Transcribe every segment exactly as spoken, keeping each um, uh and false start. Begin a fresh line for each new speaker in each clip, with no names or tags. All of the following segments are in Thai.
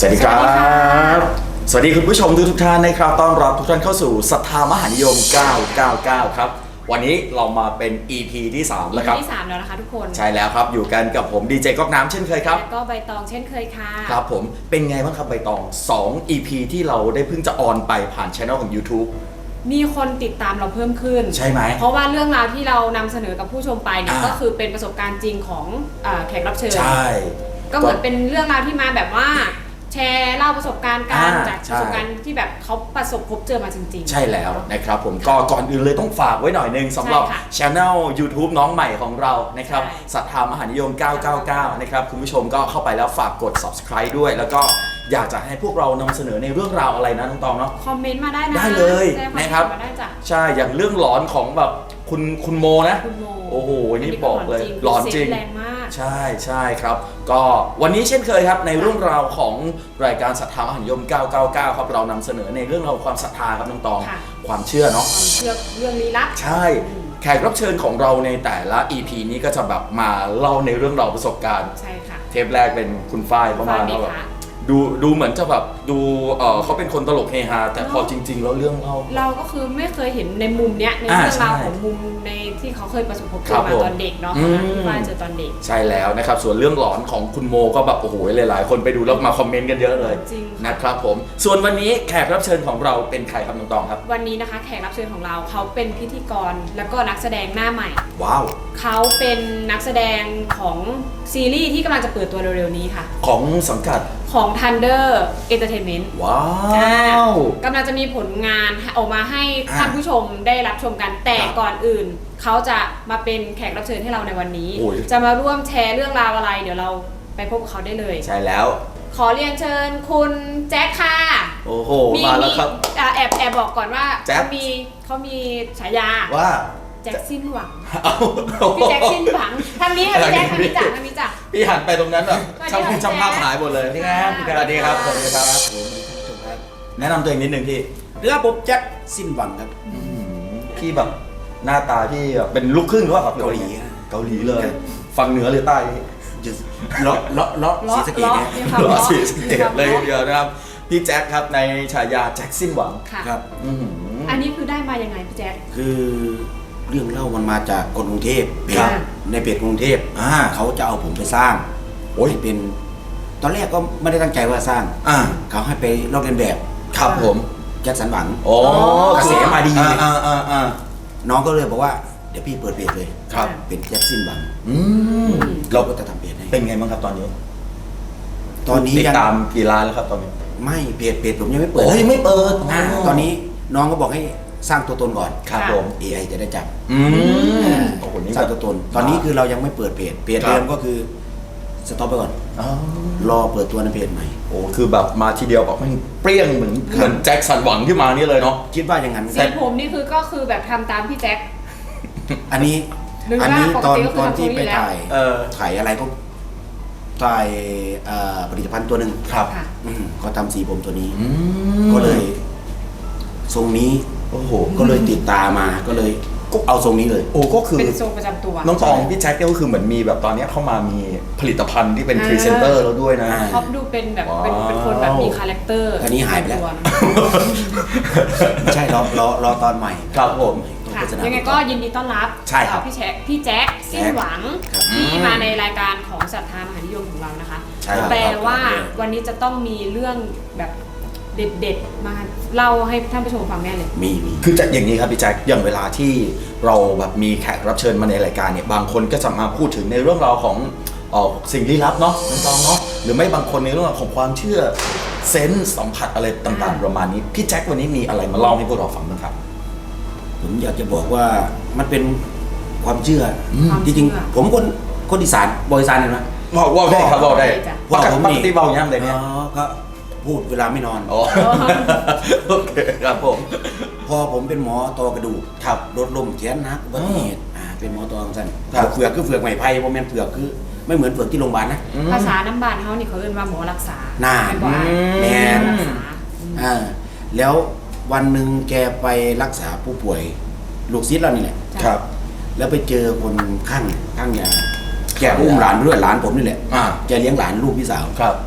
สวัสดีครับสวัสดีคุณผู้ชมทุกท่านนะครับต้อนรับทุกท่านเข้าสู่ศรัทธามหานิยมเก้าเก้าเก้าครับวันนี้เรามาเป็น อี พี ที่สามแล้วครับ
ที่สามแล้วนะคะทุกคน
ใช่แล้วครับอยู่กันกับผมดีเจก๊อกน้ำเช่นเคยครับ
แล้วก็ใบตองเช่นเคยค่ะ
ครับผมเป็นไงบ้างครับใบตองสอง อี พี ที่เราได้เพิ่งจะออนไปผ่านช่องของ YouTube
มีคนติดตามเราเพิ่มขึ้น
ใช่ไหม
เพราะว่าเรื่องราวที่เรานำเสนอกับผู้ชมไปเนี่ยก็คือเป็นประสบการณ์จริงของแขกรับเชิญ
ใช่
ก็เหมือนเป็นเรื่องราวที่มาแบบว่าแชร์เล่าประสบการณ์การจากประสบการณ์ที่แบบเขาประสบพบเจอมาจริงๆ
ใช่แล้วนะครับผมก็ก่อนอื่นเลยต้องฝากไว้หน่อยนึงสำหรับ Channel YouTube น้องใหม่ของเรานะครับศรัทธามหานิยมเก้าเก้าเก้านะครับคุณผู้ชมก็เข้าไปแล้วฝากกด Subscribe ด้วยแล้วก็อยากจะให้พวกเรานำเสนอในเรื่องราวอะไรนะน้องตองเนาะ
คอมเมนต์มาได้นะ
ได้เลยนะครับใช่อย่างเรื่องหลอนของแบบคุณคุณโมนะโอ้โหนี่บอกเลยหลอนจริงใช่ใช่ครับก็วันนี้เช่นเคยครับในเรื่องราวของรายการศรัทธามหานิยมเก้าเก้าเก้าครับเรานำเสนอในเรื่องราวความศรัทธาครับน้องตองความเชื่อเนาะ
ความเชื่อเรื่องลี้ลับ
ใช่แขกรับเชิญของเราในแต่ละ อี พี นี้ก็จะแบบมาเล่าในเรื่องราวประสบการณ์
ใช่ค่ะ
เทปแรกเป็นคุณฝ้ายเข้ามาแล้วแบบดูดูเหมือนจะแบบดูเออเขาเป็นคนตลกเฮฮาแต่พอจริงๆแล้วเรื่องเล่า
เราก็คือไม่เคยเห็นในมุมเนี้ยในเรื่องราวของมุมในที่เขาเคยประสบพบเจอมาตอนเด็กเนาะที่ฝ้ายเจอตอนเด็ก
ใช่แล้วนะครับส่วนเรื่องหลอนของคุณโมก็แบบโอ้โหหลายๆคนไปดูแล้วมาคอมเมนต์กันเยอะเลยนะครับผมส่วนวันนี้แขกรับเชิญของเราเป็นใครครับน้องตองครับ
วันนี้นะคะแขกรับเชิญของเราเขาเป็นพิธีกรแล้วก็นักแสดงหน้าใหม่
ว้าว
เขาเป็นนักแสดงของซีรีส์ที่กำลังจะเปิดตัวเร็วๆนี้ค่ะ
ของสังกัด
ของ Thunder Entertainment
ว้าว
กำลังจะมีผลงานออกมาให้ท่านผู้ชมได้รับชมกันแต่ก่อนอื่นเขาจะมาเป็นแขกรับเชิญให้เราในวันนี้จะมาร่วมแชร์เรื่องราวอะไรเดี๋ยวเราไปพบกับเขาได้เลย
ใช่แล้ว
ขอเรียนเชิญคุณแจ็คค่ะ
โอ้โหมาแล้วครับ
แอบแอบบอกก่อนว่าเขามีเขามีฉายา
ว่า
แจ็คสิ้นหวังพี่แจ็คสิ้นหวังทางนี้ค่ะพี่แจ็คทางนี้จ้ะทางนี้จ้ะ
พี่หันไปตรงนั้นแบบช่างช่างภาพหายหมดเลย
นี่ครับ
สวัสดีครับสวัสดีครับแนะนำตัวเองนิดนึงพี่
เรือผมแจ็คสิ้นหวังครับ
พี่แบบหน้าตาที่แบบเป็นลูกครึ่งหรือเปล่าครับ
เกาหลี
เกาหลีเลยฝั่งเหนือหรือใต้
เลาะเลาะเลาะสีสะเกดเนี่ย
เลาะสีสะเกดเลยเดียวนะครับพี่แจ็คครับในฉายาแจ็คสิ้นหวัง
ครับ
อันนี้คือได้มายังไงพี่แจ็ค
คือเรื่องเล่ามันมาจากคนกรุงเทพในเพจกรุงเทพเขาจะเอาผมไปสร้างโอ้ยเป็นตอนแรกก็ไม่ได้ตั้งใจว่าสร้างเขาให้ไปลอกเลียนแบบ
ครับผม
แจ็คสันหวัง
โอ้
กระแสมาดีน้องก็เลยบอกว่าเดี๋ยวพี่เปิดเพจเลย
ครับ
เป็นแจ็คสิ้นหวัง
เรา
ก็จะทำเพจให้
เป็นไงบ้างครับตอนนี้
ตอนนี้
ติดตามกี่ล้านแล้วครับตอนนี้
ไม่เพจเพจผมยังไม่เปิด
โอ้ยไม่เปิด
ตอนนี้น้องก็บอกให้สร้างตัวตนก่อน
ครับผม
เอ ไอ จะได้จับ
สร้าง
ตัวตนตอนนี้คือเรายังไม่เปิดเพจเพจเดิมก็คือสต็อปไปก่อนรอเปิดตัวในเพจใหม่
โอ้คือแบบมาทีเดียวแบบมันเปรี้ยงเหมือนเหมือนแจ็คสันหวังที่มานี่เลยเนาะ
คิดว่าอย่างนั้น
สีผมนี่คือก็คือแบบทำตามพี่แจ็ค
อันนี้อันนี้ตอนตอนที่ไปถ่ายถ่ายอะไรก็ถ่ายผลิตภัณฑ์ตัวหนึ่ง
ครับ
ก็ทำสีผมตัวนี้ก็เลยทรงนี้
โอ้โห
ก็เลยติดตามาก็เลยก็เอาทรงนี้เลย
โอ้ก็คือ
เป็นทรงประจำตัว
น้องตองพี่แจ็คก็คือเหมือนมีแบบตอนนี้เข้ามามีผลิตภัณฑ์ที่เป็นพรีเซนเตอร์แล้วด้วยนะ
ชอบดูเป็นแบบเป็นคนแบบมีคาแรคเตอร์
อันนี้หายไปแล้วไม่ใช่รอรอรอตอนใหม่
ครับผม
ยังไงก็ยินดีต้อนรับ
ใช่ครับ
พี่แจ็คพี่แจ็คสิ้นหวังที่มาในรายการของศรัทธามหานิยมของเรานะคะแปลว่าวันนี้จะต้องมีเรื่องแบบเด็ดๆมาเล่าให้ท่านผู้ชมฟังแน่เลย
มีมี
คือจะอย่างนี้ครับพี่แจ็คอย่างเวลาที่เราแบบมีแขกรับเชิญมาในรายการเนี่ยบางคนก็จะมาพูดถึงในเรื่องราวของเอ่อสิ่งลี้ลับเนาะน้องๆเนาะหรือไม่บางคนในเรื่องราวของความเชื่อเซนส์สัมผัสอะไรต่างๆประมาณนี้พี่แจ็ควันนี้มีอะไรมาเล่าให้พวกเราฟังบ้างครับ
ผมอยากจะบอกว่ามันเป็นความเชื่อจริงๆผมคนคนอีสานบอยอีสานเห็นไหม
บอกว่าได้ครับบอกได้ปกติเบาย่ำเลยเนี่ย
ก็พูดเวลาไม่นอน
โอเคครับผม
พอผมเป็นหมอตอกระดูกขับรถล้มแขนหักอุบัติเหตุเป็นหมอตอสั้นเฟือกคือเฟือกไม้ไผ่โมเมนต์เฟือกคือไม่เหมือนเฟือกที่โรงพยาบาลนะ
ภาษาน้ำบานเขานี่เขาเรียกว่าหมอรักษา
หน้าแมนอ่าแล้ววันหนึ่งแกไปรักษาผู้ป่วยลูกศิษย์เรานี่แหละ
ครับ
แล้วไปเจอคนข้างข้างยาแกอุ้มหลานด้วยหลานผมนี่แหละแกเลี้ยงหลานลูกพี่สาว
ครับ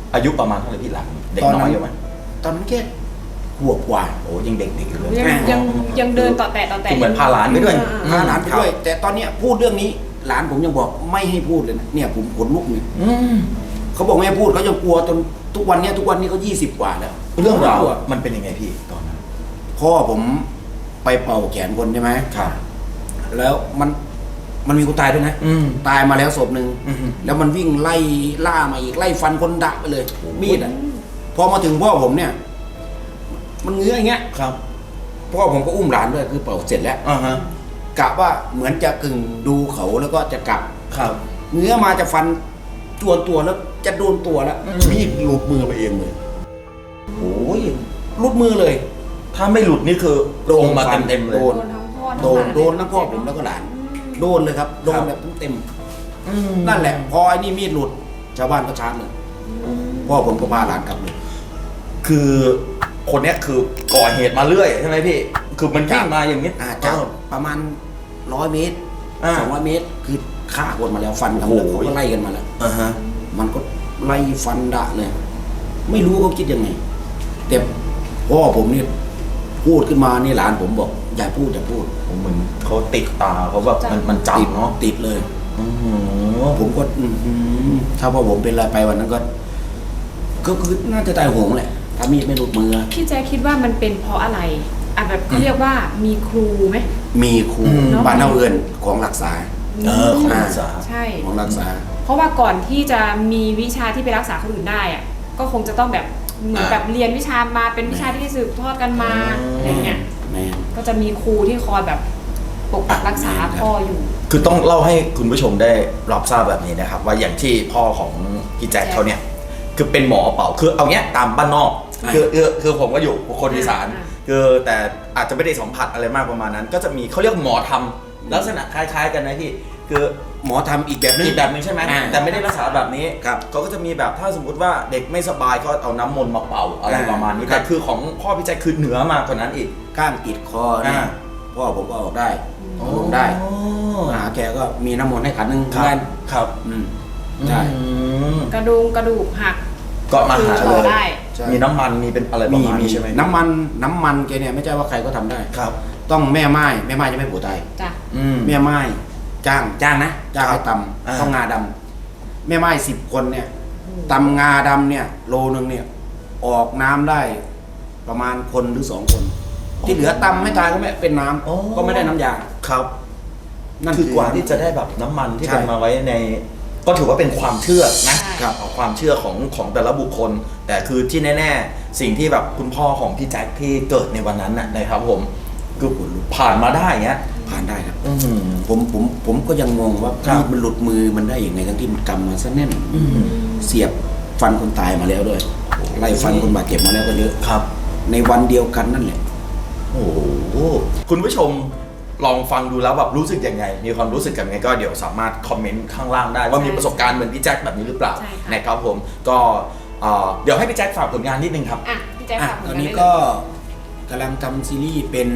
อายุประมาณเท่าไหร่พี่หลังเด็กน้อยอยู่ไหม
ตอนนั้นแค่ขวบกว่าโอ้ยังเด็กๆอยู่เลย
ยังยังยังเดินต่อแต่ต่อแต่
คือเหมือนพาหลานไปด้วย
พาหลานไปด้วยแต่ตอนเนี้ยพูดเรื่องนี้หลานผมยังบอกไม่ให้พูดเลยนะเนี่ยผมขนลุกเนี่ย
อืม
เขาบอกไม่ให้พูดเขายังกลัวจนทุกวันเนี้ยทุกวันนี้เขายี่สิบกว่าแล้ว
เรื่องราวมันเป็นยังไงพี่ตอนนั้น
พ่อผมไปเป่าแขนคนใช่ไหม
ครับ
แล้วมันมันมีคนตายด้วยนะ
อืม
ตายมาแล้วศพหนึ่ง
อืม
แล้วมันวิ่งไล่ล่ามาอีกไล่ฟันคนดะไปเลย มีดอ่ะพอมาถึงพ่อผมเนี่ย มันเงื้ออย่างเงี้ย
ครับ
พ่อผมก็อุ้มหลานด้วยคือเป่าเสร็จแล้ว
อ่าฮะ
กะว่าเหมือนจะกึ่งดูเขาแล้วก็จะกลับ
ครับ
เงื้อมาจะฟันจวนตัวแล้วจะโดนตัวแล้ว
อืม
มีดหลุดมือไปเองเลย
โอ้ย
หลุดมือเลย
ถ้าไม่หลุดนี่คือโดนมา
ฟัน
เต็มๆเลย
โด
โดนทั้งพ่อทั้ง
โด
ห
น
ลาน
โดนทั้งพ่อผมแล้วก็หลาน โดนเลยครับ โดน
ครับ
แบบเต็ม
อืม
ๆนั่นแหละ พอไอ้นี่มีดหลุด ชาวบ้านก็ชาร์จเลย
อืม
พ่อผมก็พาหลานกลับเลย
คือคนเนี้ยคือก่อเหตุมาเรื่อยใช่ไหมพี่ คือมันวิ่งมาอย่างนี้
อาจจะประมาณร้อยเมตร
อ่า
สองร้อยเมตร คือฆ่าคนมาแล้วฟันกัน
โอ้
แล้ว
โห
เขาก็ไล่กันมาแล้ว
อ่าฮะ
มันก็ไล่ฟันดะเลย ไม่รู้เขาคิดยังไง แต่พ่อผมนี่พูดขึ้นมานี่หลานผมบอกอย่าพูดอย่าพูด
เหมือนเขาติดตาเขาแบบมันมัน
ติด
จำเนาะ
ติดเลย
อือหือ
ผมก็อื้อหือถ้าพ่อผมเป็นอะไรไปวันนั้นก็ ก็คือน่าจะตายโหงแหละถ้ามีดไม่หลุดมือ
พี่แจ๊คคิดว่ามันเป็นเพราะอะไรอ่ะแบบเขาเรียกว่ามีครูไหม
มีครู
เนอะ
บ้านเท่าเอือนของรักษา
เออของ
อ่า
รักษา
ใช่
ของรักษา
เพราะว่าก่อนที่จะมีวิชาที่ไปรักษาคนอื่นได้อะก็คงจะต้องแบบเหมือน
อ่า
แบบเรียนวิชามาเป็นวิชาที่สืบทอดกันมา
อืม
อะไรเงี้ย
แม่
ก็จะมีครูที่คอยแบบปกปักรักษา
อ่า
พ่ออยู่
คือต้องเล่าให้คุณผู้ชมได้รับทราบแบบนี้นะครับ ว่าอย่างที่พ่อของพี่แจ็คเขาเนี่ยคือเป็นหมอเป่าคือเอาเนี้ยตามบ้านนอกคือคือคือผมก็อยู่คนอีสาน
อ่า
คือแต่อาจจะไม่ได้สัมผัสอะไรมากประมาณนั้น ก็จะมีเขาเรียกหมอทำลักษณะคล้าย ๆ กันนะพี่คือ
หมอทำอีกแบบนึง
อีกแบบหนึงใช่ไหม
อ่า
แต่ไม่ได้รักษาแบบนี้
ครับ
เขาก็จะมีแบบถ้าสมมุติว่าเด็กไม่สบายก็เอาน้ำมนต์มาเป่าอะไร
อ่า
ประมาณนี้
ครั
แต่
บ
คือของพ่อพี่แจ็คคือเหนือมากกว่านั้นอีก
ก้างติดคอเนี่ย
อ่า
พ่อผมก็ออกได้เอาลงได้หาแกก็มีน้ำมนต์ให้ขันหนึง
ครับ
เหมือนกัน
ครับ
อืมใช่
อืม
กระดูกกระดูกหัก
ก็มาหา
คือ
เล
โชว์
ย
ได้
ใช่
มีน้ำมันมีเป็นอะไรประ
มี
มาณ
มี
นี้ใช่ไหม
น้ำมันน้ำมันแกเนี่ยไม่ใช่ว่าใครก็ทำได้
ครับ
ต้องแม่ไม้แม่ไม้จะไม่ผัวตาย
จ้ะ
อืม
แม่ไม้จ้างจ้างนะจ้าง
ครั
ให้
บ
ต
อ่า
ำต้องงาดำแม่ไม้สิบคนเนี่ยตำงาดำเนี่ย โลนึงเนี่ย ออกน้ำได้ประมาณคนหรือสองคน ที่เหลือตำไม่ตายก็ไม่เป็นน้ำก็ไม่ได้น้ำยา
ครับ
นั่น
คือกว่าที่จะได้แบบน้ำมันที่
ใช่
เป็นมาไว้ใน ก็ถือว่าเป็นความเชื่อนะ
ใช่
ครับความเชื่อของของแต่ละบุคคล แต่คือที่แน่ๆ สิ่งที่แบบคุณพ่อของพี่แจ็คที่เกิดในวันนั้นน่ะนะครับผมคือผ่านมาได้เงี้ย
ผ่านได้ครับ
อืม
ผมผมผมก็ยังงงว่า
ครับ
มีดมันหลุดมือมันได้อย่างไงทั้งที่มันกำมาซะแน่น
อืม
เสียบฟันคนตายมาแล้วด้วยไล่ฟันคนบาดเจ็บมาแล้วก็เยอะ
ครับ
ในวันเดียวกันนั่นแหละ
โอ้โหคุณผู้ชมลองฟังดูแล้วแบบรู้สึกยังไง มีความรู้สึกยังไงก็เดี๋ยวสามารถคอมเมนต์ข้างล่างได้ ว่ามีประสบการณ์เหมือนพี่แจ็คแบบนี้หรือเปล่า
ใช่ค่ะ
นะครับผมก็เอ่อเดี๋ยวให้พี่แจ็คฝากผลงานนิดนึงครับ
อ่ะพี่แจ๊ค
อ่ะ
ฝากผล
ตอน
งาน
นี้
ได้เลย
ก็กำลังทำซีรีส์เป็น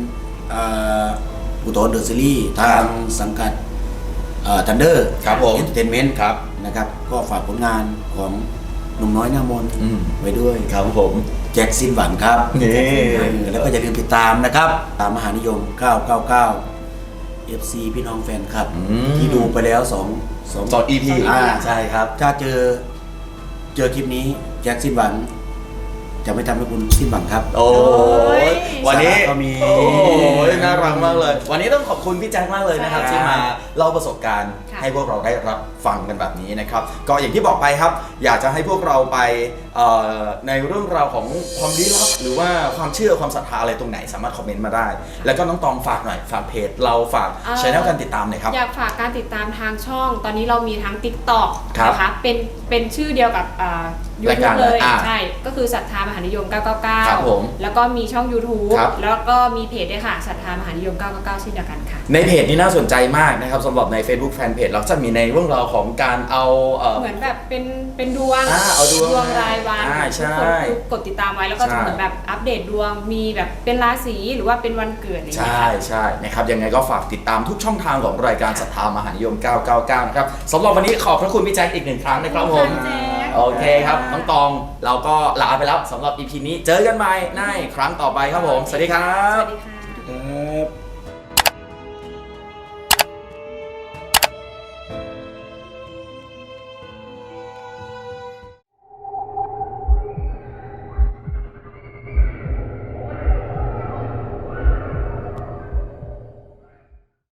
อุตรเดอะซีรีส์ทางสังกัดทันเดอร์
ครับผม
เอนเตอร์เทนเมนต์
ครับ
นะครับ ก็ฝากผลงานของหนุ่มน้อยหน้ามนต์
อืม
ไว้ด้วย
ครับผม
แจ็คสินหวังครับ
นี่
เออแล้วก็อย่าลืมติดตามนะครับ ตามมหานิยม เก้าเก้าเก้า เอฟ ซี พี่น้องแฟนคลับ
อืม
ที่ดูไปแล้วสองสอง
สอง อี พี
อ่า
ใช่ครับ
ถ้าเจอเจอคลิปนี้แจ็คสิ้นหวัง จะไม่ทำให้คุณสิ้นหวังครับ
โอ้ยวันนี้
สาระก็มี
โอ้ยน่ารักมากเลย วันนี้ต้องขอบคุณพี่แจ็คมากเลยนะครับ
ใช่
ที่มาเล่าประสบการณ์
ค่ะ
ให้พวกเราได้รับฟังกันแบบนี้นะครับ ก็อย่างที่บอกไปครับ อยากจะให้พวกเราไปเอ่อในเรื่องราวของความลี้ลับหรือว่าความเชื่อความศรัทธาอะไรตรงไหนสามารถคอมเมนต์มาได้ แล้วก็น้องตองฝากหน่อยฝากเพจเราฝาก
เอ่อ
ช่องการติดตามหน่อยครับ
อยากฝากการติดตามทางช่อง ตอนนี้เรามีทั้ง TikTok
ครับ
นะคะ เป็น เป็นชื่อเดียวกับอ่า
รายการ
YouTube เลย
อ่า
ใช่ ก็คือศรัทธามหานิยม เก้าเก้าเก้า
ครับผม
แล้วก็มีช่อง YouTube
ครับ
แล้วก็มีเพจด้วยค่ะศรัทธามหานิยม เก้าเก้าเก้าเช่นเดียวกันค่ะ
ในเพจนี้น่าสนใจมากนะครับสำหรับใน Facebook Fanpage เราจะมีในเรื่องราวของการเอาเอ่อ
เหมือนแบบเป็น เป็นดวง
อ่าเอาดวง
รายวัน
อ่าใช่
ทุกคนกดติดตามไว้ แล้วก็
ใช่
จะเหมือนแบบอัปเดตดวง มีแบบเป็นราศีหรือว่าเป็นวันเกิดอะไรอย่างเงี้ย
ใช่
ค่ะ
ใช่นะครับยังไงก็ฝากติดตามทุกช่องทางของรายการศรัทธามหานิยม เก้าเก้าเก้า นะครับสำหรับวันนี้ขอบพระคุณพี่แจ็คอีกหนึ่งครั้งนะครับผม
ขอบคุณค่ะแจ็ค
โอเคครับน้องตองเราก็ลาไปแล้วสำหรับ อี พี นี้เจอกันใหม่ในครั้งต่อไปครับผมสวัสดีครับ
สวัสดีค่ะ
ครับ